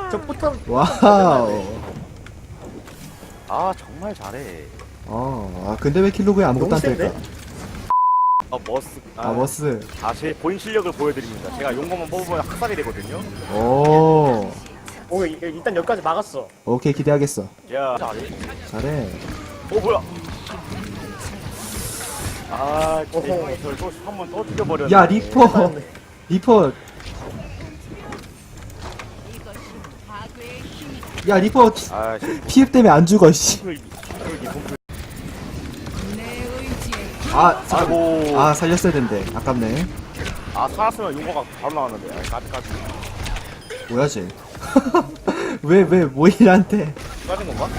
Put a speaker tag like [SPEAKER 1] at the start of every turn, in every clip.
[SPEAKER 1] 저 포탑.
[SPEAKER 2] 와우.
[SPEAKER 3] 아 정말 잘해.
[SPEAKER 2] 근데 왜 킬로그에 아무것도 안
[SPEAKER 1] 너무
[SPEAKER 2] 뜰까?
[SPEAKER 3] 머스.
[SPEAKER 2] 머스.
[SPEAKER 3] 제 본인 실력을 보여드립니다. 제가 용검만 뽑으면 학살이 되거든요.
[SPEAKER 2] 오.
[SPEAKER 1] 오, 일단 여기까지 막았어.
[SPEAKER 2] 오케이, 기대하겠어.
[SPEAKER 3] 야 잘해.
[SPEAKER 2] 잘해.
[SPEAKER 3] 뭐야? 저또 한번 또 죽여버렸네.
[SPEAKER 2] 야, 리퍼. 리퍼. 야, 리퍼 피흡 때문에 안 죽어, 씨.
[SPEAKER 3] 아이고.
[SPEAKER 2] 살렸어야 된대. 아깝네.
[SPEAKER 3] 살았으면 용검가 바로 나왔는데. 까지까지.
[SPEAKER 2] 뭐야, 쟤. 왜 모일한테.
[SPEAKER 3] 까진 건가?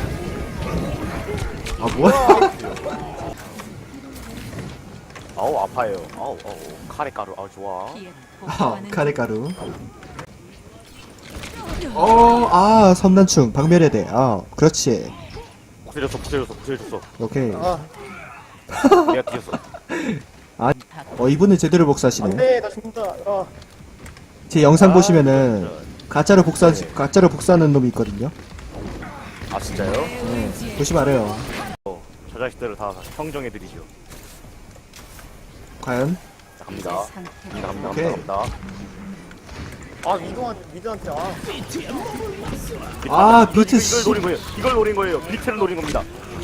[SPEAKER 2] 뭐야?
[SPEAKER 3] 아우 아파요. 아우 카레가루. 좋아.
[SPEAKER 2] 카레가루. 섬난충, 박멸해야 돼. 그렇지.
[SPEAKER 3] 부셔졌어.
[SPEAKER 2] 오케이.
[SPEAKER 3] 내가 뒤졌어.
[SPEAKER 2] 이분은 제대로 복사하시네.
[SPEAKER 1] 안돼, 나 죽는다.
[SPEAKER 2] 제 영상 보시면은, 가짜로 복사하는 놈이 있거든요.
[SPEAKER 3] 진짜요?
[SPEAKER 2] 네, 보시면 알아요.
[SPEAKER 3] 저 자식들을 다 형정해드리죠.
[SPEAKER 2] 과연?
[SPEAKER 3] 자, 갑니다.
[SPEAKER 2] 오케이.
[SPEAKER 3] 갑니다.
[SPEAKER 1] 미드한테.
[SPEAKER 2] 비트
[SPEAKER 3] 이걸 노린 거예요. 이걸 노린 거예요. 비트를 노린 겁니다.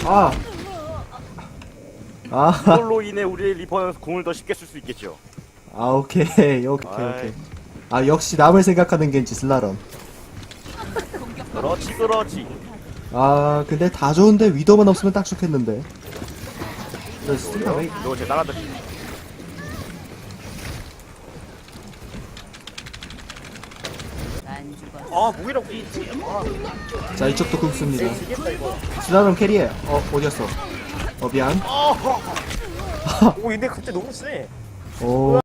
[SPEAKER 3] 이걸로 인해 우리의 리퍼는 공을 더 쉽게 쓸 수 있겠죠.
[SPEAKER 2] 오케이. 역시 남을 생각하는 겐지 슬라럼.
[SPEAKER 3] 그렇지.
[SPEAKER 2] 근데 다 좋은데 위도만 없으면 딱 좋겠는데.
[SPEAKER 3] 이거 제 나라들.
[SPEAKER 1] 무기라고.
[SPEAKER 2] 자, 이쪽도 굶습니다.
[SPEAKER 1] 지겠다 이거.
[SPEAKER 2] 슬라럼 캐리해. 어디였어? 미안.
[SPEAKER 1] 오, 근데 갑자기 너무 세.
[SPEAKER 2] 오.